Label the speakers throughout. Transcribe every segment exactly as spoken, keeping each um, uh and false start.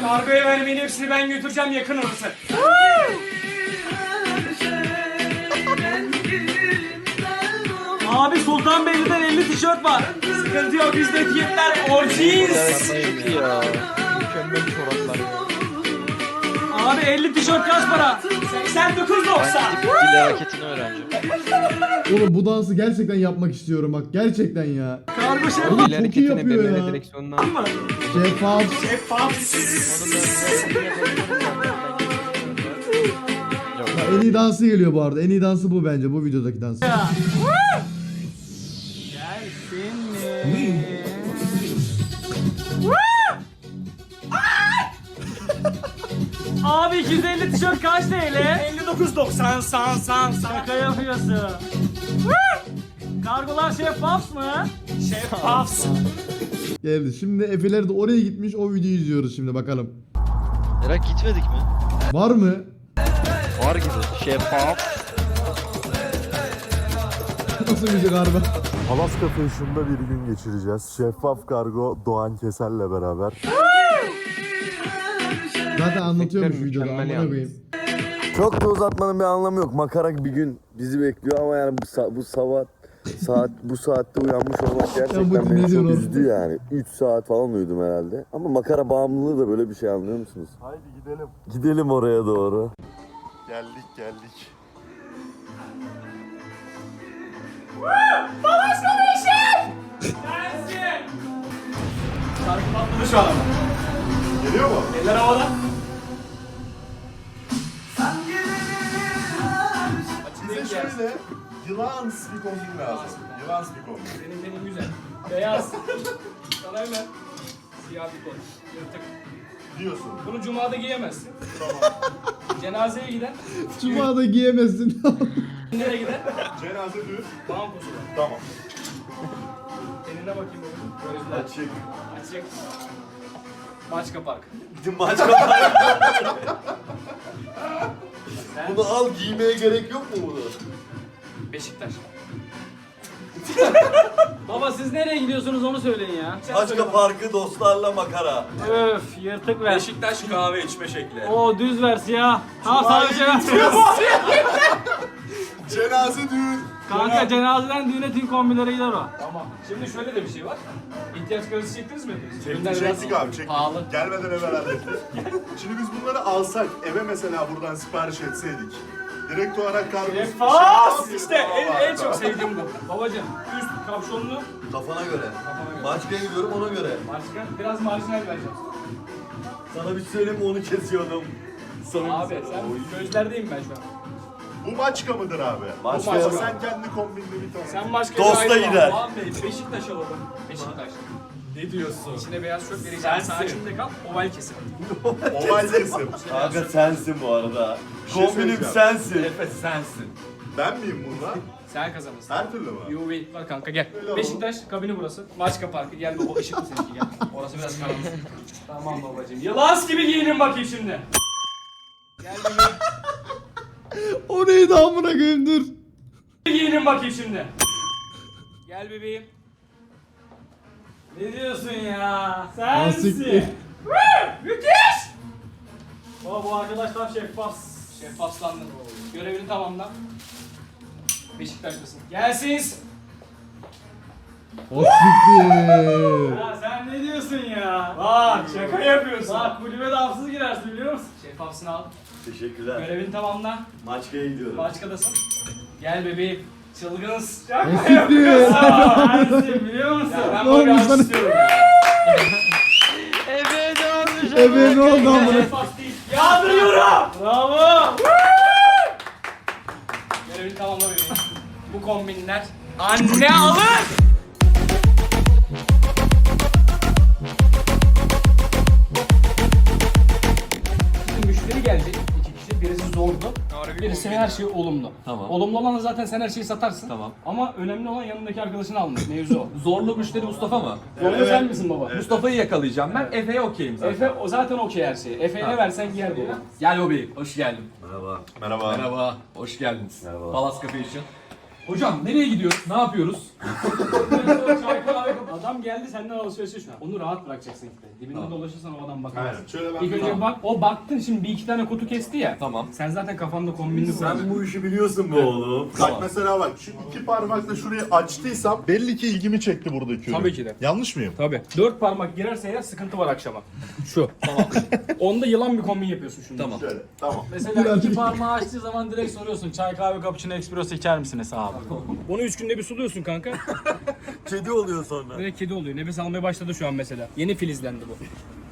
Speaker 1: Kargoya vermeyin, hepsini ben götüreceğim, yakın orası. Abi Sultanbeyli'den elli tişört var. Sıkıntı yok, bizde fiyatlar orijinal.
Speaker 2: Mükemmel çoraplar ya.
Speaker 1: Abi elli tişört kaç para? seksen dokuz doksan.
Speaker 2: Dil hareketini öğreneceğim.
Speaker 3: Oğlum bu dansı gerçekten yapmak istiyorum bak gerçekten ya.
Speaker 1: Kargo şeffaf.
Speaker 3: Oğlum
Speaker 2: Dil
Speaker 3: çok iyi
Speaker 2: hareketine
Speaker 3: yapıyor
Speaker 2: B M W
Speaker 3: ya.
Speaker 2: direksiyonundan.
Speaker 1: mı?
Speaker 3: Şeffaf.
Speaker 1: Şeffaf.
Speaker 3: Ya en iyi dansı geliyor bu arada. En iyi dansı bu bence bu videodaki dans.
Speaker 1: Gelsin mi? Abi iki yüz elli tişört kaç T L? elli dokuz doksan san san san. Şaka yapıyorsun. Kargolar şeffaf mı? Şeffaf.
Speaker 3: Geldi. Şimdi Efe'ler de oraya gitmiş o videoyu izliyoruz şimdi bakalım.
Speaker 2: Merak gitmedik mi?
Speaker 3: Var mı?
Speaker 2: Var gibi. Şeffaf.
Speaker 3: Nasıl müzik harbi?
Speaker 4: Alaska Fashion'da bir gün geçireceğiz. Şeffaf Kargo Doğan Keser'le beraber.
Speaker 3: Zaten anlatıyormuş
Speaker 2: Efektler
Speaker 3: videoda
Speaker 2: mükemmel
Speaker 3: amına
Speaker 2: yalnız.
Speaker 3: koyayım.
Speaker 4: Çok da uzatmanın bir anlamı yok. Makara bir gün bizi bekliyor ama yani bu, sa- bu sabah saat bu saatte uyanmış olmak gerçekten
Speaker 3: Ya bu ne
Speaker 4: beni
Speaker 3: diyor
Speaker 4: çok
Speaker 3: oğlum?
Speaker 4: üzdü yani. üç saat falan uyudum herhalde. Ama makara bağımlılığı da böyle bir şey, anlıyor musunuz? Haydi gidelim. Gidelim oraya doğru. Geldik geldik.
Speaker 1: Gelsin. Şarkı patladı şu an ama.
Speaker 4: Geliyor mu?
Speaker 1: Eller havada.
Speaker 4: Bize şöyle yılan spikombin lazım. Yılan spikombin.
Speaker 1: Senin benim güzel. Beyaz. Sana hemen. Siyah bir kol. Yırtık.
Speaker 4: Diyorsun.
Speaker 1: Bunu cumada giyemezsin. Tamam. Cenazeye giden.
Speaker 3: Cuma'da giyemezsin.
Speaker 1: Nereye gider?
Speaker 4: Cenaze düğün.
Speaker 1: Bankosu var.
Speaker 4: Tamam.
Speaker 1: Eline bakayım oğlum. Gözler.
Speaker 4: Açık.
Speaker 1: Açık. Maçka Park.
Speaker 4: Gidin maç kapat. Bunu al, giymeye gerek yok mu bunu?
Speaker 1: Beşiktaş. Baba siz nereye gidiyorsunuz onu söyleyin ya.
Speaker 4: Maçka Parkı dostlarla makara.
Speaker 1: Öf yırtık ver.
Speaker 5: Beşiktaş kahve içme şekli.
Speaker 1: O düz ver siyah. Ha sadece ver.
Speaker 4: Cenaze düğün.
Speaker 1: Kanka cenazeden düğüne tüm kombinlere gider o. Tamam. Şimdi şöyle de bir şey var. İhtiyaç karısı çektiniz mi? Gönder biraz.
Speaker 6: Çektik abi, çektik.
Speaker 1: Pahalı.
Speaker 6: Gelmeden evvel hallettik. Şimdi biz bunları alsak, eve mesela buradan sipariş etseydik. Direkt olarak kargo...
Speaker 1: Şeffaf! İşte en, en çok sevdiğim bu. Babacım üst kapşonlu.
Speaker 4: Kafana göre.
Speaker 1: Kafana göre.
Speaker 4: Maçka'ya gidiyorum ona göre.
Speaker 1: Marjinal, biraz marjinal vereceğim.
Speaker 4: Sana bir şey söyleyeyim mi, onu kesiyordum.
Speaker 1: Abi sen gözlerdeyim ben şu an.
Speaker 6: Bu maçka mıdır abi?
Speaker 4: Maçka.
Speaker 6: Ama sen kendi kombinle bir tane.
Speaker 1: Sen başka
Speaker 4: Dosta
Speaker 1: bir ayrı
Speaker 4: gider.
Speaker 1: bak. Doğan Bey, Beşiktaş alalım. Beşiktaş.
Speaker 5: Ne diyorsun?
Speaker 1: İçine beyaz şort vereceğim. Sakinle kal, oval kesin.
Speaker 6: Oval kesim.
Speaker 4: Kanka sensin bu arada.
Speaker 6: Bir şey
Speaker 4: Kombinim
Speaker 6: söyleyeceğim.
Speaker 4: sensin.
Speaker 5: Efe sensin.
Speaker 6: Ben miyim bunlar?
Speaker 1: Sen kazanırsın.
Speaker 6: Her türlü mü?
Speaker 1: You win. Bak kanka gel.
Speaker 6: Öyle
Speaker 1: Beşiktaş kabini burası. Maçka Parkı. Gel baba, ışıklı seninki gel. Orası biraz karanlık. Tamam babacığım. Yılan gibi giyinin bakayım şimdi. Gel bebeğim.
Speaker 3: O neydi amına koyayım dur.
Speaker 1: Giyinin bakayım şimdi. Gel bebeğim. Ne diyorsun ya? Sensin.
Speaker 3: Asiktir.
Speaker 1: Woo! Müthiş! Baba bu arkadaş tam şeffaf. Şeffaflandın. Görevini tamamla. Beşiktaşlısın. Gelsin.
Speaker 3: O siktir.
Speaker 1: Ya sen ne diyorsun ya? Bak şaka yapıyorsun. Bak kulübe de hafsız girersin biliyor musun? Şeffafsın al.
Speaker 4: Teşekkürler.
Speaker 1: Görevini tamamla.
Speaker 4: Maçka'ya gidiyorum.
Speaker 1: Başkadasın. Gel bebeğim. Çılgınız.
Speaker 3: O siktir.
Speaker 1: Sensin biliyor musun? Ya ben
Speaker 3: Ne
Speaker 1: böyle
Speaker 3: olmuş sana?
Speaker 1: istiyorum.
Speaker 2: Ebe ne olmuş?
Speaker 3: Ebe ne oldu amına?
Speaker 1: Şeffaf değil. Yağdırıyorum. Bravo. Görevini tamamla bebeğim. Bu kombinler anne alır. Şimdi müşteri gelecek. İki kişi. Birisi zordu. Birisi her şey olumlu.
Speaker 5: Tamam.
Speaker 1: Olumlu olan zaten sen her şeyi satarsın.
Speaker 5: Tamam.
Speaker 1: Ama önemli olan yanındaki arkadaşını almak. Mevzu o.
Speaker 5: Zorlu müşteri Mustafa mı?
Speaker 1: Zorlu sen misin baba?
Speaker 5: Mustafa'yı yakalayacağım ben. Efe'ye okeyim zaten.
Speaker 1: Efe o zaten okey her şeyi. Efe'ye ne versen giyer baba.
Speaker 5: Gel bebeğim. Hoş geldin.
Speaker 4: Merhaba.
Speaker 6: Merhaba.
Speaker 5: Merhaba. Hoş geldiniz.
Speaker 4: Merhaba.
Speaker 5: Palace Cafe için. Hocam nereye gidiyoruz? Ne yapıyoruz?
Speaker 1: Çay kahve Adam geldi senden alışverişe şu an. Onu rahat bırakacaksın işte. Dibinde
Speaker 5: Tamam.
Speaker 1: dolaşırsan o adam bakar.
Speaker 6: Aynen. Şöyle ben
Speaker 1: İlk önce
Speaker 6: Tamam.
Speaker 1: bak, o baktın şimdi bir iki tane kutu kesti ya.
Speaker 5: Tamam.
Speaker 1: Sen zaten kafanda kombinini kuracaksın.
Speaker 4: Sen bu işi biliyorsun be oğlum.
Speaker 6: Bak mesela bak şu iki parmakla şurayı açtıysam belli ki ilgimi çekti buradaki ürün.
Speaker 1: Tabii ki de.
Speaker 6: Yanlış mıyım?
Speaker 1: Tabii. Dört parmak girerse eğer sıkıntı var akşama. Şu. Tamam. Onda yılan bir kombin yapıyorsun şimdi.
Speaker 5: Tamam.
Speaker 6: Şöyle. Tamam.
Speaker 7: Mesela iki parmağı açtığı zaman direkt soruyorsun çay kahve cappuccino espresso içer misiniz abi?
Speaker 1: Onu üç günde bir suluyorsun kanka.
Speaker 4: Kedi oluyor sonra.
Speaker 1: Direkt kedi oluyor. Nefes almaya başladı şu an mesela. Yeni filizlendi bu.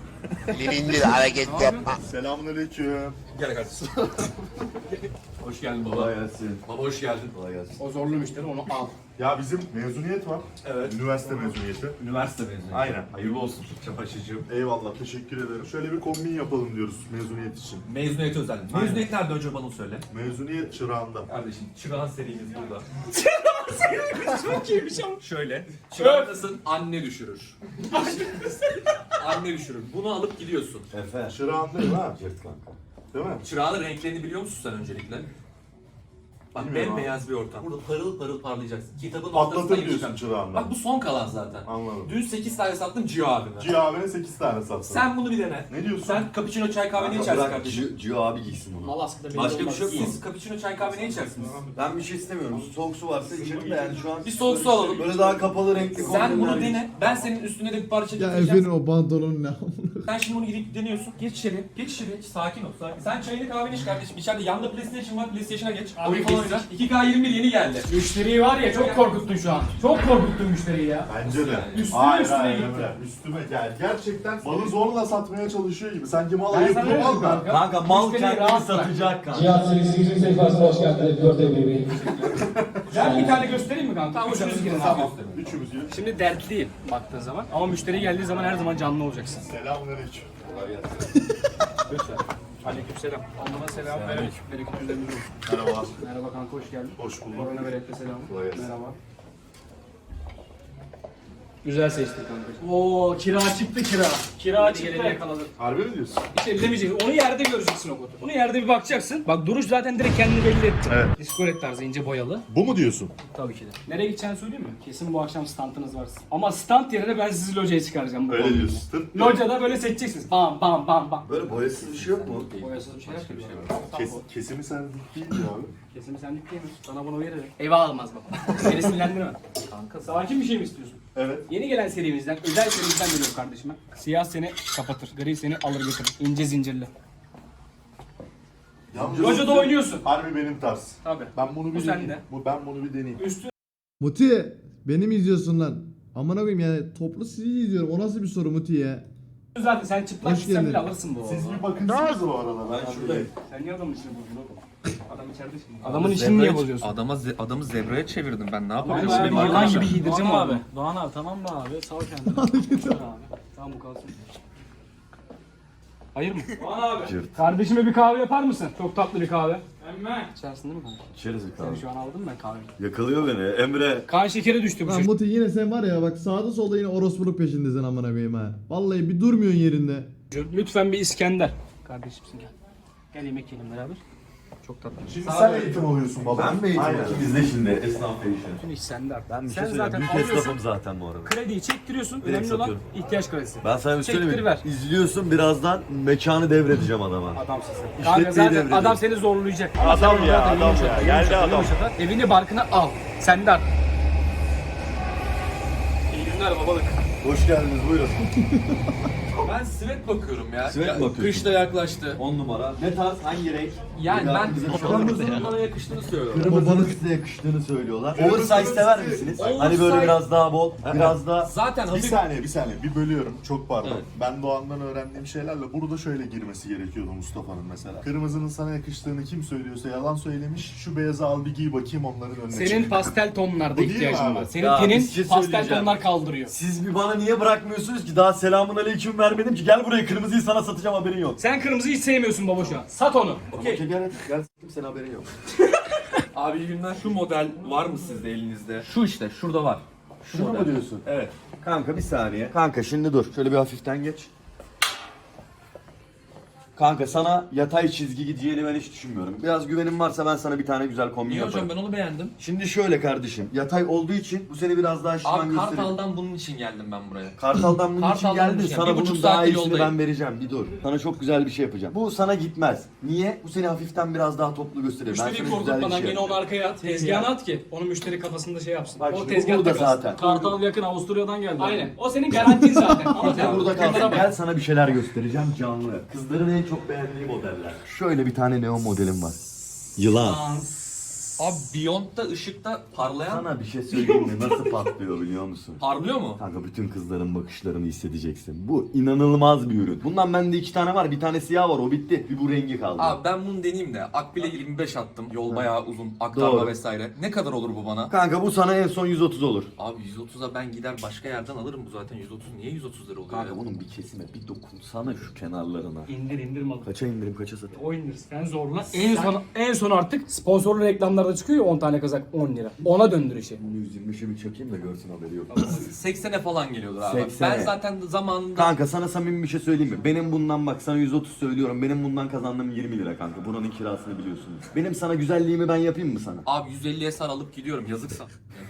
Speaker 6: Selamünaleyküm.
Speaker 5: Gel kardeşim. Hoş geldin baba.
Speaker 4: Kolay gelsin.
Speaker 5: Baba hoş geldin.
Speaker 4: Kolay gelsin.
Speaker 1: O zorlu müşteri onu al.
Speaker 6: Ya bizim mezuniyet var.
Speaker 5: Evet.
Speaker 6: Üniversite mezuniyeti.
Speaker 5: Üniversite mezunu.
Speaker 6: Aynen.
Speaker 5: Hayırlı olsun çapaşıcığım.
Speaker 6: Eyvallah, teşekkür ederim. Şöyle bir kombin yapalım diyoruz mezuniyet için.
Speaker 5: Mezuniyet özel. Mezuniyet nerede önce bana söyle.
Speaker 6: Mezuniyet çırağında.
Speaker 5: Kardeşim çırağan serimiz burada.
Speaker 1: Çok iyiymiş ama.
Speaker 5: Şöyle. Çırağındasın anne düşürür. Anne düşürür. Bunu alıp gidiyorsun.
Speaker 4: Efe.
Speaker 6: Çırağındayım ha.
Speaker 4: Cırt kanka.
Speaker 6: Değil mi?
Speaker 5: Çırağın renklerini biliyor musun sen öncelikle? Bak
Speaker 6: Bilmiyorum
Speaker 5: bembeyaz bir ortam. Burada parıl parıl parlayacaksın. Kitabın
Speaker 6: Patlatır
Speaker 5: ortasına
Speaker 6: diyorsun
Speaker 5: gireceğim.
Speaker 6: çırağında.
Speaker 5: Bak bu son kalan zaten.
Speaker 6: Anladım.
Speaker 5: Dün sekiz tane sattım Cio abime.
Speaker 6: Cio abine sekiz tane sattın.
Speaker 5: Sen bunu bir dene.
Speaker 6: Ne diyorsun?
Speaker 5: Sen cappuccino çay kahve ne
Speaker 4: Kanka
Speaker 5: içersin
Speaker 4: bırak
Speaker 5: kardeşim?
Speaker 4: Gio- Gio abi giysin bunu.
Speaker 1: Malaska'da belli
Speaker 5: Başka bir
Speaker 1: olmaz.
Speaker 5: şey yok.
Speaker 1: İyi.
Speaker 5: Siz cappuccino çay kahve ne içersiniz?
Speaker 4: Ben bir şey istemiyorum. Soğuk su varsa içerim de yani şu an.
Speaker 5: Bir soğuk su alalım.
Speaker 4: Böyle daha kapalı renkli
Speaker 5: Sen bunu
Speaker 4: kombinler-
Speaker 5: dene. Ben senin üstüne de bir parça
Speaker 3: Ya
Speaker 5: getireceğim.
Speaker 3: Efe'nin o pantolonu ne amına.
Speaker 5: Sen şimdi bunu gidip deniyorsun. Geç içeri. Geç içeri. Hiç sakin ol. Sakin. Sen çayını kahveni iç kardeşim. İçeride yanında PlayStation var. PlayStation'a geç.
Speaker 1: Abi
Speaker 5: Oyun falan
Speaker 1: kesin.
Speaker 5: oyna. iki K yirmi bir yeni geldi.
Speaker 1: Müşteriyi var ya çok korkuttun şu an. Çok korkuttun müşteriyi ya.
Speaker 6: Bence de.
Speaker 1: Üstüne
Speaker 6: Hayır,
Speaker 1: üstüne
Speaker 6: hayır,
Speaker 1: gitti.
Speaker 6: Emre. Üstüme gel. Gerçekten malı zorla satmaya çalışıyor gibi. Sanki mal
Speaker 1: Ben
Speaker 6: ayıp
Speaker 1: sana
Speaker 6: bu
Speaker 1: dedim
Speaker 6: mal da.
Speaker 1: kanka.
Speaker 4: Kanka mal
Speaker 1: Müşteriyi
Speaker 4: kendini
Speaker 1: rahat bırak.
Speaker 4: satacak kanka.
Speaker 8: Cihat serisinin sayfasına hoş geldiniz. Gördüğüm gibi.
Speaker 1: Ben bir tane göstereyim mi kanka? Tamam, üçünüz girin abi.
Speaker 6: Tamam. Üçümüz gibi.
Speaker 1: Şimdi dertli değil baktığın zaman. Ama müşteri geldiği zaman her zaman canlı olacaksın.
Speaker 6: Selamünaleyküm.
Speaker 1: Lütfen. Aleykümselam. Allah'a selam. Bereket. Bereket üzerinize olsun.
Speaker 6: Merhaba.
Speaker 1: Merhaba kanka, hoş geldin.
Speaker 6: Hoş bulduk.
Speaker 1: Korona berekete selam.
Speaker 6: Kolay gelsin.
Speaker 1: Merhaba. Güzel seçtin kanka. Oo, kira çıktı kira. Kira çıktı. Yakaladım.
Speaker 6: Harbi mi diyorsun?
Speaker 1: Hiç ellemeyeceksin. Onu yerde göreceksin o kodu. Onu yerde bir bakacaksın. Bak duruş zaten direkt kendini belli etti.
Speaker 6: Evet.
Speaker 1: Diskoret tarzı ince boyalı.
Speaker 6: Bu mu diyorsun?
Speaker 1: Tabii ki de. Nereye gideceğini söyleyeyim mi? Kesin bu akşam standınız var. Ama stand yerine ben sizi locaya çıkaracağım. Bu
Speaker 6: Öyle
Speaker 1: kombinle.
Speaker 6: diyorsun. Tırt.
Speaker 1: Locada böyle seçeceksiniz. Bam bam bam bam.
Speaker 4: Böyle boyasız bir şey yok mu?
Speaker 1: Boyasız bir şey yok.
Speaker 6: Kes, kesimi sendik değil mi abi?
Speaker 1: Kesin senlik değil mi? Sana bunu veririm. Eyvah almaz baba. Beni sinirlendirme. Kanka sakin bir şey mi istiyorsun?
Speaker 6: Evet.
Speaker 1: Yeni gelen serimizden, özel serimizden geliyorum kardeşime. Siyah seni kapatır, gri seni alır götürür. İnce zincirli.
Speaker 6: Yalnız
Speaker 1: Locada oynuyorsun.
Speaker 6: Harbi benim tarz.
Speaker 1: Tabii.
Speaker 6: Ben bunu bir
Speaker 1: Bu
Speaker 6: deneyeyim.
Speaker 1: sende.
Speaker 6: Bu, ben bunu bir deneyeyim.
Speaker 1: Üstü
Speaker 3: Muti beni mi izliyorsun lan? Amına koyayım yani toplu sizi izliyorum. O nasıl bir soru Muti ya?
Speaker 1: zaten sen çıplak
Speaker 3: Hoş
Speaker 1: gitsen
Speaker 3: geldin.
Speaker 1: bile alırsın bu
Speaker 6: Siz
Speaker 1: arada.
Speaker 6: bir bakınsınız bu arada.
Speaker 4: Ben şuradayım.
Speaker 1: Sen niye adamın işini bozuyorsun oğlum? Adam içeride şimdi. Adamın işini niye bozuyorsun?
Speaker 5: Adama ze- adamı zebraya çevirdim ben. Ne
Speaker 1: Ben
Speaker 5: yapayım?
Speaker 1: şimdi
Speaker 7: Doğan
Speaker 1: yılan
Speaker 7: abi,
Speaker 1: gibi giydireceğim
Speaker 7: Doğan
Speaker 1: abi.
Speaker 7: abi. Doğan abi tamam mı abi? Sal kendini. Sal abi.
Speaker 1: Tamam bu kalsın. Hayır mı?
Speaker 7: Doğan abi.
Speaker 1: Kardeşime bir kahve yapar mısın? Çok tatlı bir kahve. Hemen. İçersin değil mi kanka?
Speaker 4: İçeriz bir kahve.
Speaker 1: Seni şu an aldım ben kahveyi.
Speaker 4: Yakalıyor beni Emre.
Speaker 1: Kan şekeri düştü bu
Speaker 3: Lan
Speaker 1: çocuk.
Speaker 3: Muti yine sen var ya bak sağda solda yine orospuluk peşindesin amına koyayım ha. Vallahi bir durmuyorsun yerinde.
Speaker 1: Lütfen bir İskender. Kardeşimsin gel. Gel yemek yiyelim beraber. Çok tatlı.
Speaker 6: Şimdi sen eğitim alıyorsun baba.
Speaker 4: Ben mi eğitim
Speaker 6: Aynen.
Speaker 4: alayım? İzle şimdi esnaf değişiyor.
Speaker 1: Bütün iş sende artık.
Speaker 4: Ben bir
Speaker 1: Sen
Speaker 4: şey söyleyeyim.
Speaker 1: zaten
Speaker 4: Büyük
Speaker 1: alıyorsun.
Speaker 4: esnafım zaten bu arada.
Speaker 1: Krediyi çektiriyorsun.
Speaker 4: Direkt
Speaker 1: Önemli olan
Speaker 4: satıyorum.
Speaker 1: ihtiyaç kredisi.
Speaker 4: Ben sana bir söyleyeyim
Speaker 1: Çektir
Speaker 4: mi?
Speaker 1: ver.
Speaker 4: İzliyorsun birazdan mekanı devredeceğim adama.
Speaker 1: Adamsın sen.
Speaker 4: İşletmeyi
Speaker 1: Kanka zaten
Speaker 4: devredin.
Speaker 1: adam seni zorlayacak.
Speaker 6: Adam
Speaker 1: Sen
Speaker 6: ya,
Speaker 1: zaten
Speaker 6: adam
Speaker 1: yumuşak,
Speaker 6: ya.
Speaker 1: yumuşak,
Speaker 6: Geldi adam.
Speaker 1: yumuşak. Evini barkına al. Sende artık. İyi günler babalık.
Speaker 4: Hoş geldiniz buyurun.
Speaker 5: Ben sivet bakıyorum ya.
Speaker 4: Sivet
Speaker 5: Ya,
Speaker 4: mi bakıyorsun?
Speaker 5: Kış da yaklaştı.
Speaker 4: on numara. Ne tarz? Hangi renk?
Speaker 5: Yani
Speaker 4: Ya
Speaker 5: ben
Speaker 4: bize bir şey
Speaker 5: kırmızının bana yakıştığını söylüyorum.
Speaker 4: Kırmızının size yakıştığını söylüyorlar. Oversize sever misiniz? Hani
Speaker 5: Oversize-
Speaker 4: böyle biraz daha bol, biraz daha...
Speaker 5: Zaten
Speaker 6: Bir
Speaker 5: hafif
Speaker 6: saniye bir saniye bir bölüyorum çok pardon.
Speaker 5: Evet.
Speaker 6: Ben Doğan'dan öğrendiğim şeylerle burada şöyle girmesi gerekiyordu Mustafa'nın mesela. Kırmızının sana yakıştığını kim söylüyorsa yalan söylemiş. Şu beyazı al bir giy bakayım onların önüne
Speaker 1: Senin
Speaker 6: çık.
Speaker 1: pastel tonlarda
Speaker 6: Bu değil mi
Speaker 1: ihtiyacın
Speaker 6: abi?
Speaker 1: var. Senin
Speaker 4: Ya,
Speaker 1: tenin
Speaker 4: bir şey
Speaker 1: pastel
Speaker 4: söyleyeceğim.
Speaker 1: tonlar kaldırıyor.
Speaker 4: Siz bir bana niye bırakmıyorsunuz ki? Daha selamun aleyküm vermedim ki. Gel buraya kırmızıyı sana satacağım haberin yok.
Speaker 1: Sen kırmızıyı hiç sevmiyorsun baba şu an. Sat onu.
Speaker 4: Okey gel gel. Gel senin haberin yok.
Speaker 5: Abi iyi günler. Şu model var mı sizde elinizde? Şu işte şurada var. Şu
Speaker 4: Şunu
Speaker 5: model.
Speaker 4: mu diyorsun?
Speaker 5: Evet.
Speaker 4: Kanka bir saniye. Kanka şimdi dur. Şöyle bir hafiften geç. Kanka sana yatay çizgi gideceğini ben hiç düşünmüyorum. Biraz güvenin varsa ben sana bir tane güzel kombin
Speaker 5: Niye
Speaker 4: yaparım.
Speaker 5: hocam ben onu beğendim.
Speaker 4: Şimdi şöyle kardeşim. Yatay olduğu için bu seni biraz daha şişman
Speaker 5: Abi
Speaker 4: gösteriyor.
Speaker 5: Kartal'dan bunun için geldim ben buraya.
Speaker 4: Kartal'dan bunun için
Speaker 5: Kartal'dan
Speaker 4: geldin.
Speaker 5: bunun için.
Speaker 4: Sana
Speaker 5: Bir buçuk
Speaker 4: bunun daha
Speaker 5: saatlik
Speaker 4: iyisini
Speaker 5: yoldayım.
Speaker 4: ben vereceğim. Bir dur. Sana çok güzel bir şey yapacağım. Bu sana gitmez. Niye? Bu seni hafiften biraz daha toplu gösteriyor. Ben
Speaker 1: Müşteriyi
Speaker 4: sana güzel bir
Speaker 1: korkutmadan
Speaker 4: şey
Speaker 1: yine onu
Speaker 4: yapacağım.
Speaker 1: arkaya at. Tezgahına at ki onu müşteri kafasında şey yapsın.
Speaker 4: Bak
Speaker 1: o
Speaker 4: şimdi bu
Speaker 1: tezgahta
Speaker 4: burada
Speaker 1: kalsın.
Speaker 4: zaten.
Speaker 7: Kartal yakın Avusturya'dan geldi.
Speaker 1: Aynen. O senin garantin zaten. Ama
Speaker 4: Sen burada kalsın. Gel sana bir şeyler göstereceğim canlı. Kızların en çok beğendiği modeller. Şöyle bir tane neon modelim var. Yılan.
Speaker 5: Abi Beyond'da ışıkta parlayan
Speaker 4: Sana bir şey söyleyeyim mi? Nasıl patlıyor biliyor musun?
Speaker 5: parlıyor mu?
Speaker 4: Kanka bütün kızların bakışlarını hissedeceksin. Bu inanılmaz bir ürün. Bundan bende iki tane var. Bir tane siyah var. O bitti. Bir bu rengi kaldı.
Speaker 5: Abi ben bunu deneyeyim de Akbil'e yirmi beş attım. Yol bayağı uzun. Aktarma
Speaker 4: Doğru.
Speaker 5: vesaire. Ne kadar olur bu bana?
Speaker 4: Kanka bu sana en son yüz otuz olur.
Speaker 5: Abi yüz otuza ben gider başka yerden alırım bu zaten yüz otuz. Niye yüz otuz lira oluyor
Speaker 4: Kanka
Speaker 5: ya?
Speaker 4: bunun bir kesime bir dokunsana şu kenarlarına.
Speaker 1: İndir indir malı.
Speaker 4: Kaça indirim kaça satayım?
Speaker 1: O indir. Sen zorla.
Speaker 7: En son en son artık sponsorlu reklamlarda çıkıyor ya on tane kazak on lira. Ona döndür işi.
Speaker 4: yüz yirmi beşe bir çakayım da görsün haberi yok.
Speaker 5: seksene falan geliyordur abi.
Speaker 4: seksene.
Speaker 5: Ben zaten zamanında...
Speaker 4: Kanka sana samimi bir şey söyleyeyim mi? Benim bundan bak sana yüz otuz söylüyorum. Benim bundan kazandığım yirmi lira kanka. Buranın kirasını biliyorsunuz. Benim sana güzelliğimi ben yapayım mı sana?
Speaker 5: Abi yüz elliye sar alıp gidiyorum yazıksa.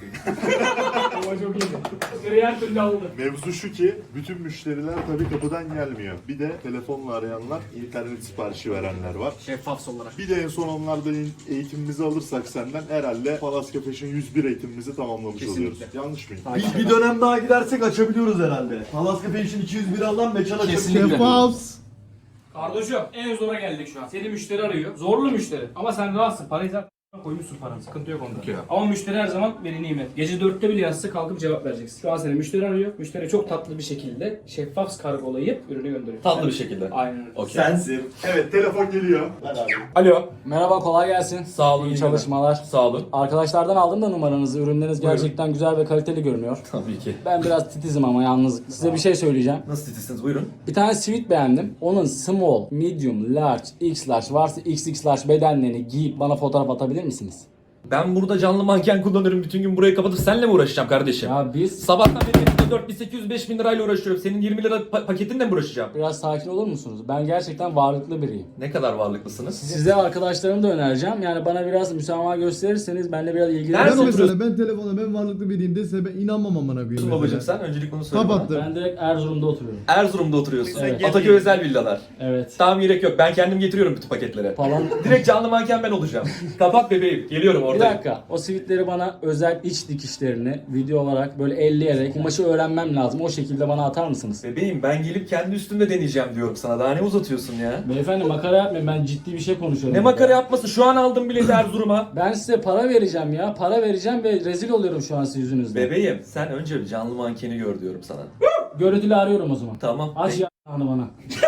Speaker 1: Ama çok iyiydi. Müşteri her türlü aldı.
Speaker 6: Mevzu şu ki bütün müşteriler tabii kapıdan gelmiyor. Bir de telefonla arayanlar, internet siparişi verenler var.
Speaker 1: Şeffaf olarak.
Speaker 6: Bir de en son onlardan eğitimimizi alırsak senden herhalde Palaska Fashion yüz bir eğitimimizi tamamlamış
Speaker 1: Kesinlikle.
Speaker 6: oluyoruz. Yanlış mıyım?
Speaker 4: Bir, bir dönem daha gidersek açabiliyoruz herhalde. Palaska Fashion iki yüz bir alan meçhal açabiliyoruz.
Speaker 3: Şeffaf.
Speaker 1: Kardeşim en zora geldik şu an. Seni müşteri arıyor. Zorlu müşteri. Ama sen rahatsın. Parayı zaten koymuşsun paranı. Sıkıntı yok onda. Ama müşteri her zaman veli nimet. Gece dörtte bile yazsa kalkıp cevap vereceksin. Şu an seni müşteri arıyor. Müşteri çok tatlı bir şekilde şeffaf kargolayıp ürünü gönderiyor.
Speaker 5: Tatlı bir şekilde.
Speaker 1: Aynen öyle.
Speaker 5: Okey.
Speaker 4: Sensin.
Speaker 6: Evet telefon geliyor. Ver abi.
Speaker 1: Alo.
Speaker 7: Merhaba, kolay gelsin.
Speaker 5: Sağ olun.
Speaker 7: İyi
Speaker 5: iyi
Speaker 7: çalışmalar.
Speaker 5: Sağ olun.
Speaker 7: Arkadaşlardan aldım da numaranızı. Ürünleriniz gerçekten güzel ve kaliteli görünüyor.
Speaker 5: Tabii ki.
Speaker 7: Ben biraz titizim ama yalnız. Size bir şey söyleyeceğim.
Speaker 5: Nasıl titizsiniz buyurun.
Speaker 7: Bir tane sweat beğendim. Onun small, medium, large, x large varsa x x large bedenlerini giyip bana fotoğraf atabilir misiniz?
Speaker 5: Ben burada canlı manken kullanıyorum. Bütün gün burayı kapatıp seninle mi uğraşacağım kardeşim?
Speaker 7: Ya biz
Speaker 5: Sabahtan beri elimde dört bin sekiz yüz beş bin lirayla uğraşıyorum. Senin yirmi lira pa- paketinle mi uğraşacağım?
Speaker 7: biraz sakin olur musunuz? Ben gerçekten varlıklı biriyim.
Speaker 5: Ne kadar varlıklısınız?
Speaker 7: Size arkadaşlarımı da önereceğim. Yani bana biraz müsamaha gösterirseniz benimle biraz
Speaker 5: Nerede
Speaker 7: ilgilenin.
Speaker 3: Ben
Speaker 5: oturuyorsun?
Speaker 3: mesela ben telefonda ben varlıklı biriyim dese ben inanmam amına koyayım.
Speaker 5: Babacım
Speaker 3: mesela.
Speaker 5: sen öncelik bunu söyle bana.
Speaker 3: Kapattım.
Speaker 7: Ben direkt Erzurum'da oturuyorum.
Speaker 5: Erzurum'da oturuyorsun.
Speaker 7: Evet.
Speaker 5: Ataköy özel villalar.
Speaker 7: Evet.
Speaker 5: Tamam gerek yok. Ben kendim getiriyorum bütün paketleri.
Speaker 7: Falan.
Speaker 5: Direkt canlı manken ben olacağım. Kapat bebeğim. Geliyorum
Speaker 7: Bir
Speaker 5: oradayım.
Speaker 7: dakika. O sivitleri bana özel iç dikişlerini video olarak böyle elleyerek kumaşı öğrenmem lazım. O şekilde bana atar mısınız?
Speaker 5: Bebeğim ben gelip kendi üstümde deneyeceğim diyorum sana. Daha ne uzatıyorsun ya?
Speaker 7: Beyefendi makara yapmayın. Ben ciddi bir şey konuşuyorum.
Speaker 5: Ne
Speaker 7: burada.
Speaker 5: makara yapması? Şu an aldım bileti Erzurum'a.
Speaker 7: Ben size para vereceğim ya. Para vereceğim ve rezil oluyorum şu an sizin yüzünüzden.
Speaker 5: Bebeğim sen önce bir canlı mankeni gör diyorum sana.
Speaker 7: Görüntülü arıyorum o zaman.
Speaker 5: Tamam.
Speaker 7: Aç ya bana.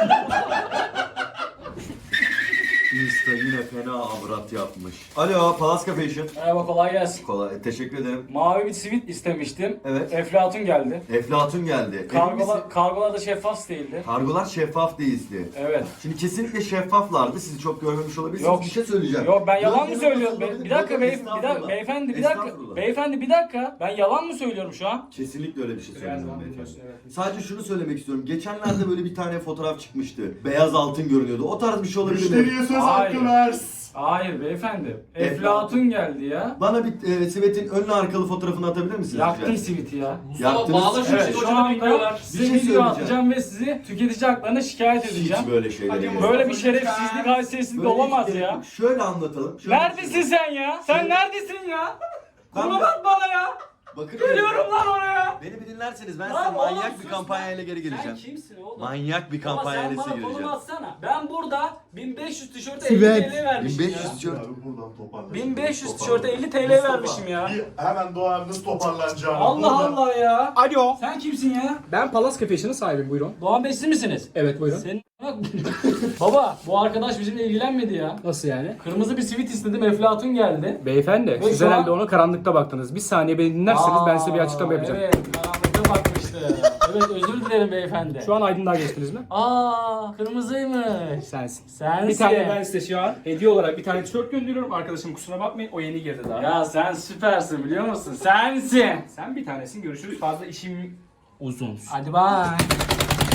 Speaker 4: Insta yine fena avrat yapmış. Alo Palaska Fashion.
Speaker 7: Merhaba, kolay gelsin.
Speaker 4: Kolay teşekkür ederim.
Speaker 7: Mavi bir sivit istemiştim.
Speaker 4: Evet.
Speaker 7: Eflatun geldi.
Speaker 4: Eflatun geldi.
Speaker 7: Kargolar, kargolar da şeffaf değildi.
Speaker 4: Kargolar şeffaf değildi.
Speaker 7: Evet.
Speaker 4: Şimdi kesinlikle şeffaflardı. Sizi çok görmemiş olabilirsiniz.
Speaker 7: Yok.
Speaker 4: Bir şey söyleyeceğim.
Speaker 7: Yok ben yalan mı
Speaker 4: Biraz
Speaker 7: söylüyorum?
Speaker 4: yanılmış
Speaker 7: Be- bir
Speaker 4: olabilir.
Speaker 7: dakika
Speaker 4: Bakın,
Speaker 7: beyef- bir dakika
Speaker 4: estağfurullah.
Speaker 7: beyefendi bir dakika.
Speaker 4: Estağfurullah.
Speaker 7: Beyefendi bir dakika. Ben yalan mı söylüyorum şu an?
Speaker 4: Kesinlikle öyle bir şey
Speaker 7: Her
Speaker 4: söylemiyorum
Speaker 7: zaman
Speaker 4: beyefendi.
Speaker 7: biliyorsun, evet.
Speaker 4: Sadece şunu söylemek istiyorum. Geçenlerde böyle bir tane fotoğraf çıkmıştı. Beyaz altın görünüyordu. O tarz bir şey olabilir mi?
Speaker 6: Müşteriye söz
Speaker 7: Hayır.
Speaker 6: hakkı ver.
Speaker 7: Hayır beyefendi.
Speaker 4: Eflatun.
Speaker 7: Eflatun geldi ya.
Speaker 4: Bana bir e, sivetin önlü arkalı fotoğrafını atabilir misiniz?
Speaker 7: Yaktın
Speaker 4: rica
Speaker 7: siviti ya.
Speaker 5: Mustafa
Speaker 4: Yaptınız.
Speaker 5: bağla şu
Speaker 7: Evet,
Speaker 5: evet,
Speaker 7: şu anda
Speaker 4: Bir
Speaker 7: size
Speaker 4: şey
Speaker 7: video
Speaker 4: söyleyeceğim.
Speaker 7: atacağım ve sizi tüketici haklarına şikayet edeceğim.
Speaker 4: Hiç böyle şeyler yok.
Speaker 7: Böyle bir şerefsizlik, haysiyetsizlik
Speaker 4: Böyle
Speaker 7: olamaz
Speaker 4: hiç-
Speaker 7: ya.
Speaker 4: Şöyle anlatalım. Şöyle
Speaker 7: Neredesin sen ya? Sen neredesin ya?
Speaker 4: Ben
Speaker 7: Kurban
Speaker 4: de-
Speaker 7: at bana ya.
Speaker 4: Bakın
Speaker 7: Geliyorum lan oraya.
Speaker 4: Beni bir dinlerseniz ben
Speaker 7: Lan
Speaker 4: size
Speaker 7: oğlum,
Speaker 4: manyak
Speaker 7: sus
Speaker 4: bir
Speaker 7: lan.
Speaker 4: kampanyayla geri
Speaker 7: Sen
Speaker 4: geleceğim.
Speaker 7: kimsin oğlum?
Speaker 4: Manyak bir
Speaker 7: Ama
Speaker 4: kampanyayla
Speaker 7: sen
Speaker 4: size
Speaker 7: bana konum
Speaker 4: geleceğim.
Speaker 7: atsana. Ben burada bin beş yüz tişörte elli
Speaker 3: Sivet.
Speaker 7: T L vermişim
Speaker 4: bin beş
Speaker 7: ya.
Speaker 4: yüz tişört.
Speaker 6: Abi buradan toparlan.
Speaker 7: bin beş yüz tişörte elli T L vermişim ya.
Speaker 6: Bir hemen doğarınız toparlanacağını.
Speaker 7: Allah
Speaker 6: Buradan-
Speaker 7: Allah ya.
Speaker 1: Alo.
Speaker 7: Sen kimsin ya?
Speaker 1: Ben Palaska Fashion'ın sahibiyim buyurun.
Speaker 7: Doğan Bey siz misiniz?
Speaker 1: Evet buyurun.
Speaker 7: Senin... Baba bu arkadaş bizimle ilgilenmedi ya.
Speaker 1: Nasıl yani?
Speaker 7: Kırmızı bir sivit istedim, Eflatun geldi.
Speaker 1: Beyefendi
Speaker 7: Ve
Speaker 1: siz
Speaker 7: şu an-
Speaker 1: herhalde ona karanlıkta baktınız. Bir saniye beni dinlerseniz ben size bir açıklama
Speaker 7: Aa,
Speaker 1: yapacağım.
Speaker 7: Evet, karanlıkta bakmıştı. Evet, özür dilerim beyefendi.
Speaker 1: Şu an aydınlığa geçtiniz mi?
Speaker 7: Aa, kırmızıymış.
Speaker 1: Sensin.
Speaker 7: Sensin.
Speaker 1: Bir tane ben size şu an hediye olarak bir tane tişört gönderiyorum. Arkadaşım kusura bakmayın o yeni girdi daha.
Speaker 7: Ya sen süpersin biliyor musun? Sensin.
Speaker 1: Sen bir tanesin görüşürüz. Fazla işim uzun.
Speaker 7: Hadi bye.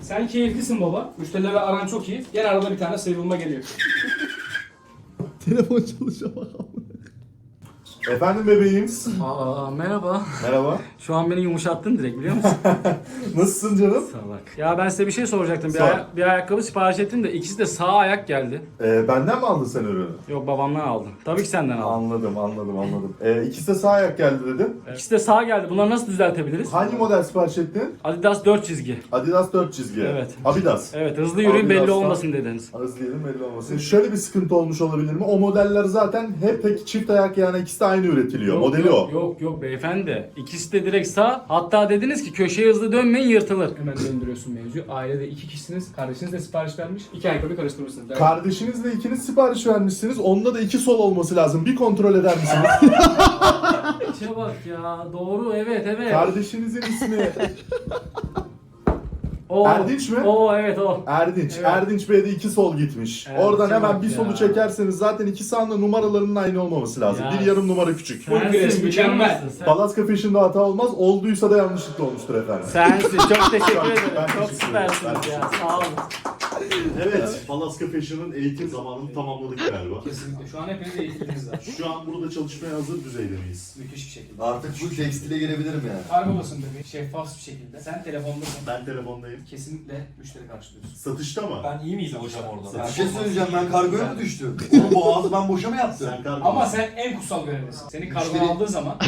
Speaker 1: Sen keyiflisin baba. Müşterilerle aran çok iyi. Gene arada bir tane sıyrılma geliyor.
Speaker 3: Telefon çalışıyor bakalım.
Speaker 6: Efendim bebeğim.
Speaker 7: Aa merhaba.
Speaker 6: Merhaba.
Speaker 7: Şu an beni yumuşattın direkt biliyor musun?
Speaker 6: Nasılsın canım?
Speaker 7: Salak. Ya ben size bir şey soracaktım. Bir,
Speaker 6: Sor.
Speaker 7: aya- bir ayakkabı sipariş ettim de ikisi de sağ ayak geldi.
Speaker 6: Ee, benden mi aldın sen ürünü?
Speaker 7: Yok babamdan aldım. Tabii ki senden aldım.
Speaker 6: Anladım, anladım, anladım. Ee, ikisi de sağ ayak geldi dedim.
Speaker 7: İkisi de sağ geldi. Bunları nasıl düzeltebiliriz?
Speaker 6: Hangi model sipariş ettin?
Speaker 7: Adidas dört çizgi.
Speaker 6: Adidas dört çizgi.
Speaker 7: Evet.
Speaker 6: Adidas.
Speaker 7: Evet hızlı yürüyün belli
Speaker 6: Adidas'tan-
Speaker 7: olmasın dediniz.
Speaker 6: Arası diyelim belli olmasın. Şöyle bir sıkıntı olmuş olabilir mi? O modeller zaten hep pek çift ayak, yani ikisi de aynı üretiliyor.
Speaker 7: Yok,
Speaker 6: Modeli
Speaker 7: yok,
Speaker 6: o.
Speaker 7: Yok yok beyefendi. İkisi de direkt sağ. Hatta dediniz ki köşeye hızlı dönmeyin yırtılır.
Speaker 1: Hemen döndürüyorsun mevzuyu. Ailede iki kişisiniz. Kardeşiniz de sipariş vermiş. İki ayakkabı karıştırmışsınız. Evet.
Speaker 6: Kardeşinizle ikiniz sipariş vermişsiniz. Onda da iki sol olması lazım. Bir kontrol eder misiniz?
Speaker 7: İçe bak ya. Doğru evet evet.
Speaker 6: Kardeşinizin ismi
Speaker 7: O,
Speaker 6: Erdinç mi?
Speaker 7: O evet o.
Speaker 6: Erdinç.
Speaker 7: Evet.
Speaker 6: Erdinç Bey'de iki sol gitmiş.
Speaker 7: Evet,
Speaker 6: Oradan hemen
Speaker 7: bak
Speaker 6: bir
Speaker 7: ya.
Speaker 6: solu çekerseniz zaten iki sağında numaralarının aynı olmaması lazım.
Speaker 7: Ya.
Speaker 6: Bir yarım numara küçük.
Speaker 1: Full press, mükemmel.
Speaker 7: mısın? Sen,
Speaker 6: Palaska Fashion'da hata olmaz. Olduysa da yanlışlıkla olmuştur efendim.
Speaker 7: sensin. Çok teşekkür
Speaker 6: Ben
Speaker 7: ederim. Çok
Speaker 6: teşekkür ederim.
Speaker 7: süpersiniz
Speaker 6: Ben
Speaker 7: ya. Sağ olun.
Speaker 6: Evet, Palaska Fashion'ın eğitim zamanını tamamladık galiba.
Speaker 1: Kesinlikle. Şu an hepiniz eğitiminiz var.
Speaker 6: Şu an burada çalışmaya hazır düzeyde miyiz?
Speaker 1: Müthiş bir şekilde.
Speaker 4: Artık bu tekstile girebilirim yani.
Speaker 1: Kargo basın bebeği. Şeffaf bir şekilde. Sen telefondasın.
Speaker 6: Ben telefondayım.
Speaker 1: Kesinlikle müşteri karşılıyorsun.
Speaker 6: Satışta mı?
Speaker 5: Ben iyi miyiz hocam orada?
Speaker 4: Bir şey söyleyeceğim, ben kargoya mı düştüm? Oğlum bu ağzı ben boşa mı yaptım?
Speaker 6: Sen kargo
Speaker 1: Ama sen en kutsal görevlisin. Seni kargo
Speaker 4: Müşteri-
Speaker 1: aldığı zaman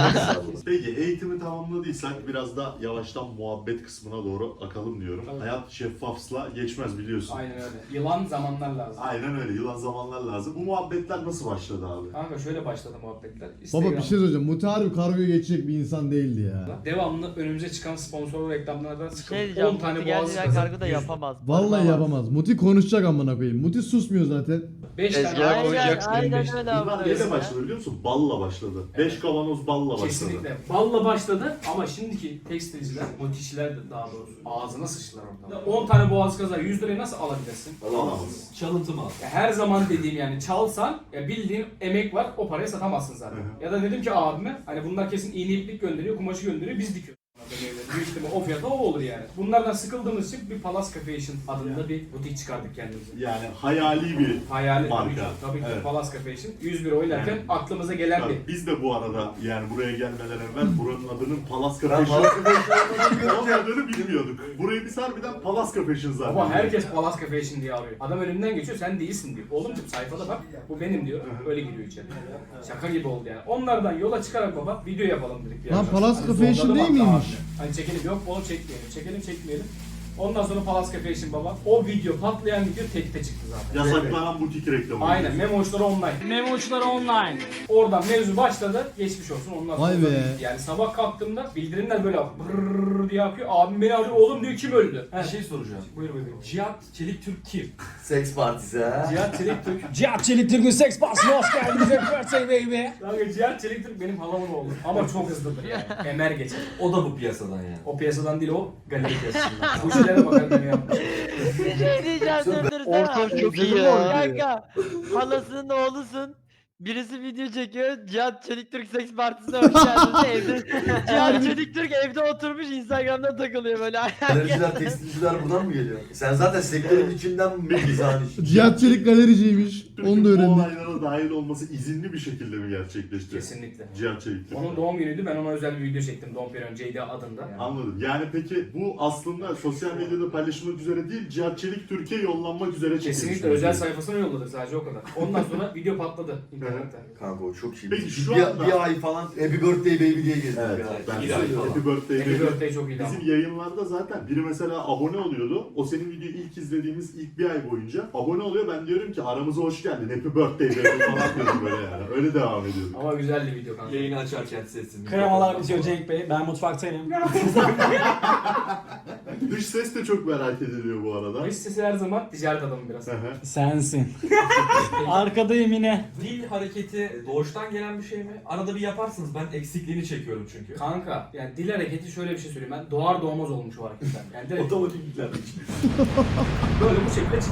Speaker 6: Peki eğitimi tamamladıysak biraz da yavaştan muhabbet kısmına doğru akalım diyorum.
Speaker 1: Tabii.
Speaker 6: Hayat şeffafsla geçmez biliyorsun.
Speaker 1: aynen öyle. Yılan zamanlar lazım.
Speaker 6: Aynen öyle. Yılan zamanlar lazım. Bu muhabbetler nasıl başladı abi?
Speaker 1: Kanka şöyle başladı muhabbetler.
Speaker 3: Baba bir
Speaker 1: Instagram'da
Speaker 3: şey söyleyeceğim. Muti harbi kargoya geçecek bir insan değildi ya.
Speaker 1: devamlı önümüze çıkan sponsorlu reklamlardan
Speaker 9: Şey
Speaker 1: sıkıldı.
Speaker 9: diyeceğim,
Speaker 1: on tane
Speaker 9: Muti
Speaker 1: boğazı
Speaker 9: gerçekten
Speaker 1: kazan.
Speaker 9: kargo da yapamaz.
Speaker 3: Vallahi
Speaker 9: Barınamaz.
Speaker 3: yapamaz. Muti konuşacak amına koyayım. Muti susmuyor zaten.
Speaker 1: beş tane
Speaker 2: Tezgaha
Speaker 1: boğazı
Speaker 9: Aynen,
Speaker 2: koyacaksın,
Speaker 9: aynen
Speaker 1: beş-
Speaker 9: öyle
Speaker 6: Bunlar
Speaker 9: abi.
Speaker 6: neyle başladı biliyor musun? Balla başladı. Beş kavanoz balla başladı.
Speaker 1: Kesinlikle. Balla başladı ama şimdiki tekstilciler, motifçiler de daha doğrusu ağzına sıçtılar orada. on tane boğaz kazar yüz liraya nasıl alabilirsin?
Speaker 6: Alamaz.
Speaker 5: Çalıntı mal.
Speaker 1: Ya her zaman dediğim yani çalsan ya bildiğin emek var o parayı satamazsın zaten.
Speaker 6: Hı hı.
Speaker 1: Ya da dedim ki abime hani bunlar kesin iğne iplik gönderiyor, kumaşı gönderiyor biz dikiyoruz. Büyük ihtimal o fiyata o olur yani. Bunlardan sıkıldığımız için bir Palaska Fashion adında bir butik çıkardık kendimize.
Speaker 6: Yani hayali bir
Speaker 1: Hayali
Speaker 6: Marka.
Speaker 1: tabii ki, tabii ki
Speaker 6: Evet.
Speaker 1: Palaska Fashion. yüz bir oynarken
Speaker 6: Yani-
Speaker 1: aklımıza gelen
Speaker 6: Tabii
Speaker 1: bir.
Speaker 6: biz de bu arada yani buraya gelmeden evvel buranın adının Palaska
Speaker 4: Ben
Speaker 6: Fashion
Speaker 4: Palaska Fashion'ı
Speaker 6: olmadığını bilmiyorduk. Burayı biz harbiden Palaska Fashion zaten.
Speaker 1: Ama herkes Palaska Fashion diye arıyor. Adam önümden geçiyor sen değilsin diyor. Oğlum diyor sayfada bak bu benim diyor. Öyle giriyor içeri. Şaka gibi oldu yani. Onlardan yola çıkarak baba video yapalım dedik. bir
Speaker 3: Lan
Speaker 1: ara.
Speaker 3: Palaska
Speaker 1: Hani
Speaker 3: Fashion
Speaker 1: zorladım
Speaker 3: değil
Speaker 1: hatta
Speaker 3: miymiş?
Speaker 1: abi. Hani çekelim yok oğlum çekmeyelim. Çekelim çekmeyelim. Ondan sonra Palaska Fashion baba. O video patlayan video tekte çıktı zaten.
Speaker 6: Yasaklanan butik reklamı.
Speaker 1: Aynen Memoşları online.
Speaker 7: Memoçlar online.
Speaker 1: Oradan mevzu başladı. Geçmiş olsun ondan sonra
Speaker 3: Vay
Speaker 1: da
Speaker 3: be.
Speaker 1: bitti. Yani sabah kalktığımda bildirimler böyle brrrr diye yapıyor. Abim beni arıyor oğlum diyor kim öldü?
Speaker 5: Bir şey soracağım.
Speaker 1: Buyur bebeğim.
Speaker 5: Cihat Çelik Türk kim?
Speaker 4: Seks partisi ha.
Speaker 1: Cihat Çelik Türk.
Speaker 7: Cihat Çelik Türk'ün seks basına hoş geldiniz. Birthday baby.
Speaker 1: Kanka Cihat Çelik Türk benim halamın oğlu. Ama çok hızlıdır yani. Emer geçer.
Speaker 5: O da bu piyasadan yani.
Speaker 1: O piyasadan değil o galeri piyasasından. Bu işlere bakar beni yapmış.
Speaker 9: Bir şey diyeceğim döndürsene.
Speaker 2: Ortam çok iyi ya.
Speaker 9: Kanka halasının oğlusun. Birisi video çekiyor. Cihat Çelik Türk Seks Partisi'ne hoş geldiniz. Evde Cihat Çelik Türk evde oturmuş Instagram'da takılıyor böyle.
Speaker 4: Galericiler, tekstilciler buradan mı geliyor? Sen zaten sektörün içinden mi mizahın işi?
Speaker 3: Cihat Çelik galericiymiş.
Speaker 6: Türk'ün
Speaker 3: Onu da
Speaker 6: bu
Speaker 3: öğrendik.
Speaker 6: olaylara dahil olması izinli bir şekilde mi gerçekleşti?
Speaker 1: Kesinlikle.
Speaker 6: Cihat Çelik Türk.
Speaker 1: Onun doğum günüydü. Ben ona özel bir video çektim. Dom Perignon J D adında.
Speaker 6: Anladım. Yani peki bu aslında sosyal medyada paylaşılmak üzere değil, Cihat Çelik Türkiye yollanmak üzere çekilmiş.
Speaker 1: Kesinlikle özel sayfasına yolladık sadece o kadar. Ondan sonra video patladı internette.
Speaker 4: Kanka o çok iyi.
Speaker 6: Peki
Speaker 4: Biz
Speaker 6: şu
Speaker 4: bir,
Speaker 6: anda-
Speaker 4: bir ay falan Happy Birthday Baby diye gezdik
Speaker 6: Evet,
Speaker 4: ya.
Speaker 6: ben
Speaker 5: Bir
Speaker 6: de
Speaker 5: ay
Speaker 6: söyleyeyim.
Speaker 5: falan.
Speaker 6: Happy Birthday
Speaker 1: Happy
Speaker 6: Baby.
Speaker 1: Birthday çok iyiydi ama.
Speaker 6: Bizim yayınlarda zaten biri mesela abone oluyordu. O senin videoyu ilk izlediğimiz ilk bir ay boyunca abone oluyor. Ben diyorum ki aramıza hoş geldin. Happy Birthday Baby falan diyorum böyle yani. Öyle devam ediyorum.
Speaker 1: Ama güzeldi video kanka.
Speaker 5: Yayını açarken sesini.
Speaker 7: Kremalar bitiyor Cenk Bey. Ben mutfaktayım.
Speaker 6: Dış ses de çok merak ediliyor bu arada.
Speaker 1: Dış sesi her zaman ticaret adamı biraz.
Speaker 6: Hı hı.
Speaker 7: Sensin. Arkadayım yine.
Speaker 5: Dil hareketi doğuştan gelen bir şey mi? Arada bir yaparsınız. Ben eksikliğini çekiyorum çünkü.
Speaker 1: Kanka yani dil hareketi şöyle bir şey söyleyeyim ben doğar doğmaz olmuş o hareketler. Yani direkt
Speaker 5: Otomatik yüklenmiş.
Speaker 1: böyle bu şekilde çıkmış.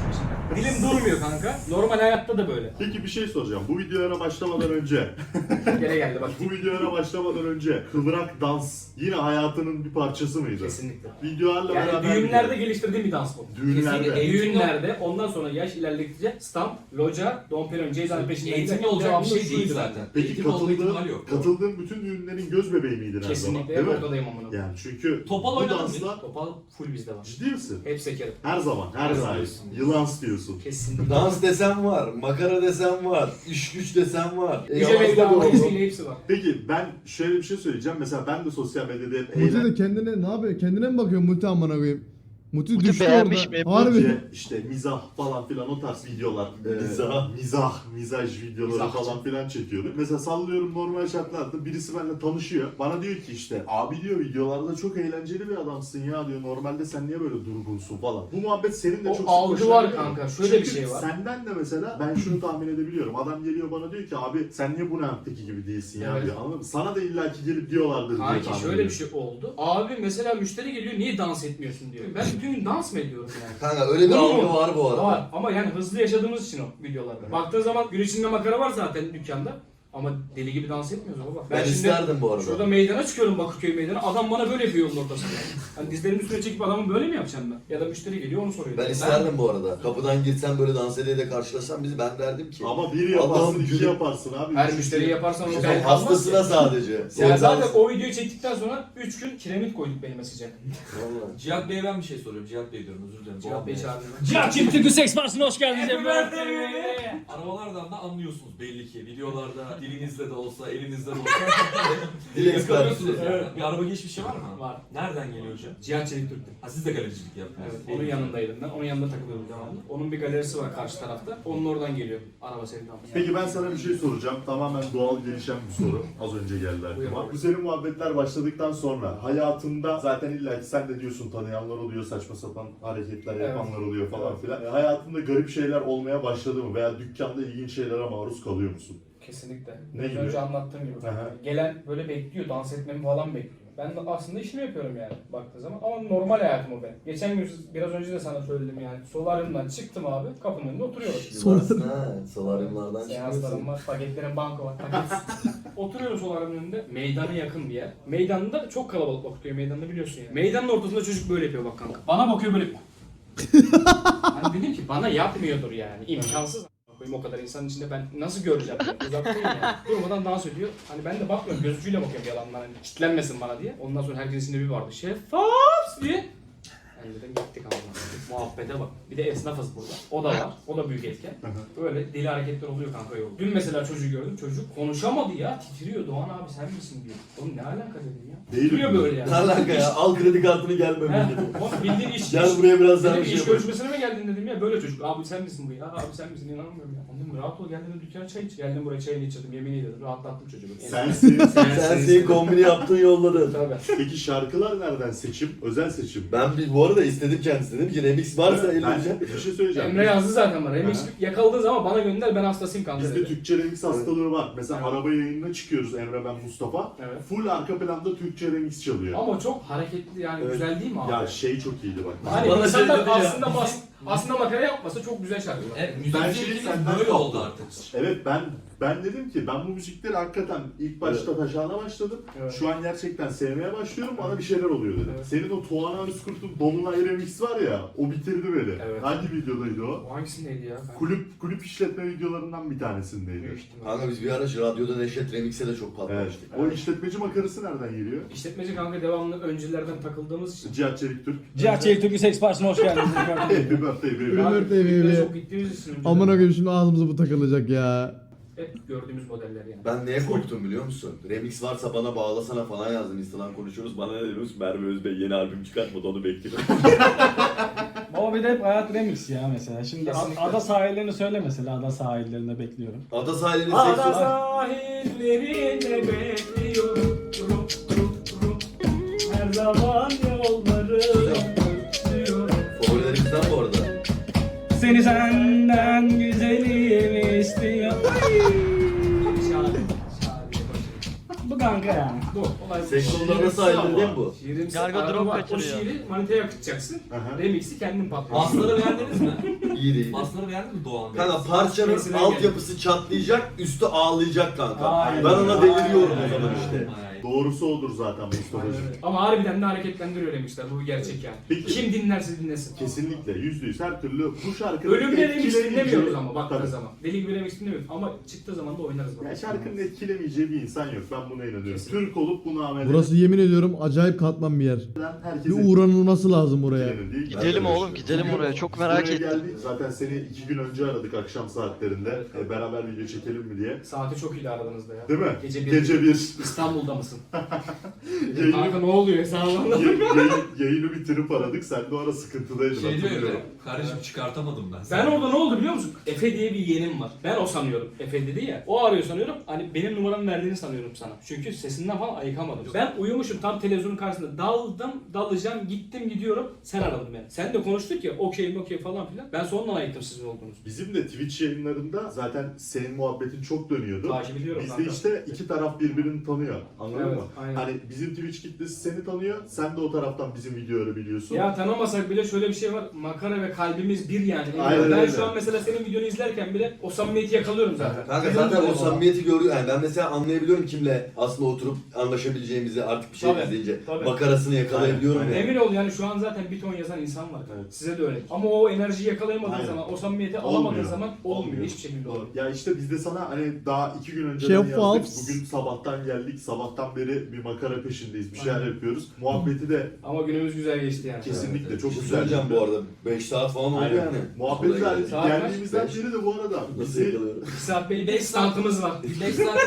Speaker 1: Dilim durmuyor kanka. Normal hayatta da böyle.
Speaker 6: Peki bir şey soracağım. Bu videolara başlamadan önce,
Speaker 1: Gene geldi bak.
Speaker 6: bu videolara başlamadan önce kıvrak dans yine hayatının bir parçası mıydı?
Speaker 1: Kesinlikle.
Speaker 6: Videolarla
Speaker 1: Yani
Speaker 6: beraber
Speaker 1: düğünlerde
Speaker 6: gidiyor.
Speaker 1: geliştirdiğim bir dans bu.
Speaker 6: Düğünlerde.
Speaker 1: Kesinlikle. Düğünlerde ondan sonra yaş ilerledikçe stamp, loca, Dom Perignon, Ceyzan'ın peşinden
Speaker 5: Eğitimli
Speaker 1: giden
Speaker 5: olacak bir
Speaker 1: devamlı
Speaker 5: şey değil
Speaker 1: şuydu.
Speaker 5: zaten.
Speaker 6: Peki
Speaker 5: Eğitim olma ihtimali
Speaker 6: katıldığın,
Speaker 5: yok.
Speaker 6: katıldığın bütün düğünlerin göz bebeği miydin her zaman?
Speaker 1: Kesinlikle
Speaker 6: Değil
Speaker 1: hep
Speaker 6: mi?
Speaker 1: ortadayım amına.
Speaker 6: Yani çünkü
Speaker 5: Topal
Speaker 6: bu
Speaker 5: oynadın mı?
Speaker 6: dansla
Speaker 1: Topal full bizde var.
Speaker 6: ciddi misin?
Speaker 1: Hep sekerim.
Speaker 6: Her zaman, her zaman. Yılans diyorsun.
Speaker 1: Kesinlikle.
Speaker 4: Dans desem var, makara desem var, iş güç desem var.
Speaker 1: Gece
Speaker 4: Eyvallah
Speaker 1: mevla
Speaker 4: doğru.
Speaker 1: hepsiyle hepsi var.
Speaker 6: Peki ben şöyle bir şey söyleyeceğim. Mesela ben de sosyal medyada hep
Speaker 3: Muti
Speaker 6: eğlen...
Speaker 3: de kendine ne yapıyor? Kendine mi bakıyor Muti amına koyayım? Muti,
Speaker 9: Muti
Speaker 3: düştü
Speaker 9: beğenmiş
Speaker 3: orada.
Speaker 9: mi?
Speaker 3: Harbi.
Speaker 6: İşte, işte mizah falan filan o tarz videolar. e,
Speaker 4: Mizah.
Speaker 6: Mizah, mizaj videoları
Speaker 1: Mizahçı.
Speaker 6: falan filan çekiyorduk. Mesela sallıyorum normal şartlarda birisi benimle tanışıyor. Bana diyor ki işte abi diyor videolarda çok eğlenceli bir adamsın ya diyor. Normalde sen niye böyle durgunsun falan. Bu muhabbet senin de
Speaker 1: O
Speaker 6: çok sık
Speaker 1: algı
Speaker 6: hoşuna
Speaker 1: var
Speaker 6: gidiyor.
Speaker 1: kanka. Şöyle
Speaker 6: Çünkü
Speaker 1: bir şey var.
Speaker 6: Senden de mesela ben şunu tahmin edebiliyorum. Adam geliyor bana diyor ki abi sen niye bu Nant'teki gibi değilsin ya
Speaker 1: Evet.
Speaker 6: diyor. Anladın mı? Sana da illaki gelip diyorlardır diye
Speaker 1: Kanki
Speaker 6: tahmin
Speaker 1: şöyle bir
Speaker 6: ediyorum.
Speaker 1: şey oldu. Abi mesela müşteri geliyor niye dans etmiyorsun diyor. Ben bütün gün dans mı ediyorum yani?
Speaker 4: Kanka öyle bir
Speaker 1: Olur
Speaker 4: algı
Speaker 1: mu?
Speaker 4: var bu arada.
Speaker 1: Var ama yani hızlı yaşadığımız için o videolarda. Baktığın zaman gün içinde makara var zaten dükkanda. Ama deli gibi dans etmiyoruz baba.
Speaker 4: Ben isterdim bu arada.
Speaker 1: Şurada meydana çıkıyorum Bakırköy meydana. Adam bana böyle yapıyor yolun ortasında. Hani dizlerimin üstüne çekip adamı böyle mi yapacağım ben? Ya da müşteri geliyor onu soruyor.
Speaker 4: Ben isterdim bu arada. Kapıdan girsen böyle dans ediyle karşılaşsan bizi ben derdim ki.
Speaker 6: Ama bir yaparsın,
Speaker 4: Allah'ım
Speaker 6: iki
Speaker 4: gülüm.
Speaker 6: yaparsın abi.
Speaker 1: Her
Speaker 6: Üç
Speaker 1: müşteriyi
Speaker 6: kişi-
Speaker 1: yaparsan o
Speaker 4: Sen
Speaker 1: bel kalmaz
Speaker 4: hastasına
Speaker 1: ya.
Speaker 4: sadece.
Speaker 1: Yani
Speaker 4: Sen
Speaker 1: zaten o videoyu çektikten sonra üç gün kiremit koyduk benim mesajı.
Speaker 4: Vallahi.
Speaker 5: Cihat Bey'e ben bir şey soruyorum. Cihat Bey diyorum özür dilerim.
Speaker 1: Cihat Bey
Speaker 5: Cihat
Speaker 1: çağırmıyor.
Speaker 7: Cihat Çift Türkü Seks Partisi'ne hoş geldiniz.
Speaker 5: Arabalardan da anlıyorsunuz belli ki. Videolarda dilinizle de olsa, elinizle de olsa.
Speaker 4: Dil
Speaker 5: Yakalıyorsunuz
Speaker 4: ekspertisi.
Speaker 5: yani. Bir araba geçmişi var mı?
Speaker 1: Var.
Speaker 5: Nereden geliyor hocam?
Speaker 1: Cihat Çelik Türk'tü.
Speaker 5: Ha siz de galericilik yaptınız.
Speaker 1: Evet, onun yanındaydım ben. Onun yanında takılıyordum devamlı. Onun bir galerisi var karşı tarafta. Onun oradan geliyor araba sevdamız.
Speaker 6: Peki ben sana bir şey soracağım. Tamamen doğal gelişen bir soru. Az önce geldi
Speaker 1: Buyur
Speaker 6: aklıma.
Speaker 1: abi.
Speaker 6: Bu senin muhabbetler başladıktan sonra hayatında zaten illa ki sen de diyorsun tanıyanlar oluyor, saçma sapan hareketler
Speaker 1: Evet.
Speaker 6: yapanlar oluyor falan filan. E, hayatında garip şeyler olmaya başladı mı? Veya dükkanda ilginç şeylere maruz kalıyor musun?
Speaker 1: Kesinlikle.
Speaker 6: Ne
Speaker 1: Az
Speaker 6: gibi?
Speaker 1: önce anlattığım gibi.
Speaker 6: Aha.
Speaker 1: Gelen böyle bekliyor, dans etmemi falan bekliyor. Ben de aslında işimi yapıyorum yani baktığı zaman. Ama normal hayatım o benim. Geçen gün biraz önce de sana söyledim yani. Solaryumdan çıktım abi, kapının önünde oturuyorum.
Speaker 4: Yılmazsın ha. Solaryumlardan
Speaker 1: Seanslarım
Speaker 4: çıkıyorsun.
Speaker 1: var, paketlerim banko var, paket. Oturuyorum solaryumun önünde. Meydana yakın bir yer. Meydanda çok kalabalık bakıyor. Meydanını biliyorsun yani. Meydanın ortasında çocuk böyle yapıyor bak kanka. Bana bakıyor böyle yapıyor. Hani dedim ki bana yapmıyordur yani. İmkansız. Koyayım o kadar insanın içinde ben nasıl göreceğim yani? Uzaktayım yani. Durmadan dans ediyor. Hani ben de bakmıyorum gözücüyle bakıyorum yalandan hani kitlenmesin bana diye. Ondan sonra herkesin içinde bir vardı. Şeffaf diye. Ben dedim gittik ama. Muhabbete bak. Bir de esnafız burada. O da var. O da büyük etken. Böyle deli hareketler oluyor kanka yolda. Dün mesela çocuğu gördüm. Çocuk konuşamadı ya. Titriyor. Doğan abi sen misin diyor. Oğlum ne alaka dedim ya.
Speaker 6: Değil
Speaker 1: Titriyor
Speaker 6: mi?
Speaker 1: böyle yani.
Speaker 4: Ne alaka ya? Al kredi kartını gel
Speaker 1: He,
Speaker 4: memlekete.
Speaker 1: oğlum bildiğin iş.
Speaker 4: Gel
Speaker 1: iş-
Speaker 4: buraya biraz daha
Speaker 1: Dedim
Speaker 4: bir
Speaker 1: iş
Speaker 4: şey yapalım.
Speaker 1: görüşmesine mi geldin dedim ya böyle çocuk. Abi sen misin bu ya? Abi sen misin inanamıyorum ya. Dedim rahat ol geldin dükkana çay iç. Geldim buraya çayını içirdim yemin ediyorum rahatlattım çocuğu.
Speaker 6: Sensin.
Speaker 4: Sen senin kombini yaptın yolladın.
Speaker 1: Tabii.
Speaker 6: Peki şarkılar nereden seçim? Özel seçim.
Speaker 4: Ben bir, bu arada istedim kendisine. Dedim ki remix varsa
Speaker 6: ben
Speaker 4: eleyeceğim.
Speaker 6: bir şey söyleyeceğim.
Speaker 1: Emre yazdı zaten bana. Remix
Speaker 6: Aha.
Speaker 1: yakaladığı zaman bana gönder ben hastasıyım kanka
Speaker 6: Bizde
Speaker 1: dedi.
Speaker 6: Türkçe remix hastalığı var. Mesela
Speaker 1: Evet.
Speaker 6: araba yayınına çıkıyoruz Emre ben Mustafa.
Speaker 1: Evet.
Speaker 6: Full arka planda Türkçe remix çalıyor.
Speaker 1: Ama çok hareketli yani
Speaker 6: Evet.
Speaker 1: güzel değil mi abi?
Speaker 6: Ya şey çok iyiydi bak.
Speaker 1: Hani
Speaker 4: Bana
Speaker 1: insanlar
Speaker 4: şey dedi ya.
Speaker 1: aslında bas, aslında makara yapmasa çok güzel şarkılar.
Speaker 5: Evet,
Speaker 6: Ben
Speaker 5: müzik
Speaker 6: şeyi
Speaker 5: zevkiniz
Speaker 6: senden
Speaker 5: böyle
Speaker 6: kaptım.
Speaker 5: oldu artık.
Speaker 6: Evet ben ben dedim ki ben bu müzikleri hakikaten ilk başta taşağına başladım.
Speaker 1: Evet.
Speaker 6: Şu an gerçekten sevmeye başlıyorum. Bana bir şeyler oluyor dedim.
Speaker 1: Evet.
Speaker 6: Senin o Tuana Özkurt'un Dolunay remix var ya o bitirdi beni.
Speaker 1: Evet.
Speaker 6: Hangi videodaydı o?
Speaker 1: O hangisindeydi ya? Ben-
Speaker 6: Kulüp kulüp işletme videolarından bir tanesindeydi.
Speaker 1: Büyük ihtimal.
Speaker 4: Kanka biz bir ara şu radyoda Neşet Remix'e de çok
Speaker 6: Evet.
Speaker 4: patlamıştık.
Speaker 6: O işletmeci makarası nereden geliyor?
Speaker 1: İşletmeci kanka devamlı öncülerden takıldığımız için.
Speaker 6: Cihat Çelik Türk.
Speaker 7: Cihat Çelik Türkü Seks Partisi'ne hoş geldiniz.
Speaker 6: Happy birthday baby.
Speaker 3: Happy
Speaker 1: Abi,
Speaker 3: birthday
Speaker 1: kulüplere
Speaker 3: baby.
Speaker 1: çok gittiğimiz için önceden
Speaker 3: Amına koyayım şimdi ağzımıza bu takılacak ya.
Speaker 1: hep gördüğümüz modeller yani.
Speaker 4: Ben neye korktum biliyor musun? Remix varsa bana bağlasana falan yazdım. Instagram konuşuyoruz. Bana ne diyorsun? Merve Özbey yeni albüm çıkartmadı onu bekliyorum.
Speaker 7: Baba bir de hep hayat remix ya mesela. Şimdi
Speaker 1: Kesinlikle.
Speaker 7: ada sahillerini söyle mesela ada sahillerinde bekliyorum.
Speaker 4: Ada sahilinin
Speaker 1: Ada
Speaker 4: seks var.
Speaker 1: sahillerinde bekliyorum. Rum, rum, rum. Her zaman yolları özlüyorum.
Speaker 4: Favorilerimizden bu arada.
Speaker 7: Seni senden güzelim istiyor.
Speaker 1: Şahane.
Speaker 7: Bu kanka yani.
Speaker 1: Bu olay bu.
Speaker 4: Seks
Speaker 6: Şiirimsi
Speaker 4: onlarda sahilde
Speaker 6: ama.
Speaker 4: değil mi bu?
Speaker 1: Şiirimsi
Speaker 9: Gargo
Speaker 1: araba
Speaker 9: drop
Speaker 1: var. O
Speaker 9: kaçırıyor.
Speaker 1: şiiri manitaya akıtacaksın.
Speaker 6: Aha.
Speaker 1: Remix'i kendin patlıyorsun.
Speaker 5: Asları beğendiniz mi?
Speaker 10: İyi değil.
Speaker 5: Basları beğendin mi Doğan?
Speaker 10: Kanka parçanın
Speaker 1: Sesine
Speaker 10: altyapısı çatlayacak, üstü ağlayacak kanka.
Speaker 1: Aynen.
Speaker 10: Ben ona deliriyorum
Speaker 1: Aynen.
Speaker 10: o zaman işte.
Speaker 6: Doğrusu odur zaten Mustafa'cığım.
Speaker 1: Ama harbiden de hareketlendiriyor demişler. Bu gerçek yani.
Speaker 6: Peki.
Speaker 1: Kim dinlerse dinlesin.
Speaker 6: Kesinlikle yüzde yüz her türlü bu şarkının
Speaker 1: Ölümle remix
Speaker 6: etkilemeyeceği-
Speaker 1: dinlemiyoruz ama baktığın
Speaker 6: Tabii.
Speaker 1: zaman. Deli gibi remix dinlemiyoruz ama çıktığı zaman da oynarız.
Speaker 6: Ya
Speaker 1: bak.
Speaker 6: şarkının etkilemeyeceği bir insan yok. Ben buna inanıyorum.
Speaker 1: Kesinlikle.
Speaker 6: Türk olup bunu amel
Speaker 3: Burası yemin ediyorum acayip katman bir yer.
Speaker 6: eden
Speaker 3: Bir
Speaker 6: herkese
Speaker 3: uğranılması lazım oraya.
Speaker 6: etkilenir değil.
Speaker 2: Gidelim
Speaker 6: Ben de
Speaker 2: oğlum, gidelim
Speaker 6: düşünüyorum.
Speaker 2: oraya. Çok
Speaker 6: Buraya
Speaker 2: merak ettim.
Speaker 6: geldik. Zaten seni iki gün önce aradık akşam saatlerinde. E, beraber video çekelim mi diye.
Speaker 1: Saati çok iyi aradığınızda ya.
Speaker 6: Değil mi?
Speaker 1: Gece bir.
Speaker 6: Gece bir.
Speaker 1: İstanbul'da mısın?
Speaker 6: Yayını-
Speaker 1: Kanka ne oluyor? Sen anladın.
Speaker 6: Yayın- yayın- yayını bitirip aradık. Sen de o ara sıkıntıdaydın.
Speaker 5: Şey diyor
Speaker 6: hatırlıyorum.
Speaker 5: ya, kardeşim çıkartamadım ben.
Speaker 1: Ben orada ne oldu biliyor musun? Efe diye bir yeğenim var. Ben o sanıyorum. Efe dedi ya. O arıyor sanıyorum. Hani benim numaramı verdiğini sanıyorum sana. Çünkü sesinden falan ayıkamadım. Ben uyumuşum tam televizyonun karşısında. Daldım, dalacağım, gittim gidiyorum. Sen aradın beni. Sen de konuştuk ya okey okey falan filan. Ben sonradan ayıktım sizin olduğunuzu.
Speaker 6: Bizim de Twitch yayınlarında zaten senin muhabbetin çok dönüyordu.
Speaker 1: Takip ediyorum
Speaker 6: Bizde
Speaker 1: kanka.
Speaker 6: işte iki taraf birbirini tanıyor. Anladın
Speaker 1: Evet,
Speaker 6: mı?
Speaker 1: aynen.
Speaker 6: Hani bizim Twitch kitlesi seni tanıyor. Sen de o taraftan bizim videoları biliyorsun.
Speaker 1: Ya tanımasak bile şöyle bir şey var. Makara ve kalbimiz bir yani.
Speaker 6: Aynen
Speaker 1: ben
Speaker 6: öyle.
Speaker 1: şu an mesela senin videonu izlerken bile o samimiyeti yakalıyorum zaten.
Speaker 10: Kanka
Speaker 1: Biliyorum
Speaker 10: zaten o
Speaker 1: zaten
Speaker 10: samimiyeti görüyor. Yani ben mesela anlayabiliyorum kimle aslında oturup anlaşabileceğimizi artık bir şey
Speaker 1: Tabii,
Speaker 10: izleyince.
Speaker 1: tabii.
Speaker 10: Makarasını yakalayabiliyorum
Speaker 6: Aynen,
Speaker 10: yani.
Speaker 1: Emin ol yani şu an zaten bir ton yazan insan var.
Speaker 6: Evet.
Speaker 1: Size de öyle. Ama o enerjiyi yakalayamadığın
Speaker 6: Aynen.
Speaker 1: zaman, o samimiyeti
Speaker 6: Olmuyor.
Speaker 1: alamadığın zaman olmuyor.
Speaker 6: Olmuyor.
Speaker 1: Hiçbir şekilde olmuyor.
Speaker 6: Ya işte biz de sana hani daha iki gün önceden
Speaker 3: Şeffaf.
Speaker 6: yazdık. Bugün sabahtan geldik. Sabahtan beri bir makara peşindeyiz. Bir şeyler
Speaker 1: Aynen.
Speaker 6: yapıyoruz. Muhabbeti de
Speaker 1: Ama günümüz güzel geçti yani.
Speaker 6: kesinlikle
Speaker 10: Çok
Speaker 6: çok
Speaker 10: güzel
Speaker 6: güzel.
Speaker 10: söyleyeceğim bu arada. beş saat falan oldu
Speaker 6: Aynen.
Speaker 10: yani.
Speaker 6: Muhabbeti de
Speaker 10: Vallahi
Speaker 6: geldiğimizden
Speaker 1: Saat kaç?
Speaker 6: beri de bu arada
Speaker 10: Nasıl
Speaker 6: bizi
Speaker 10: yakalıyorum?
Speaker 1: İki saat beş standımız var. beş saat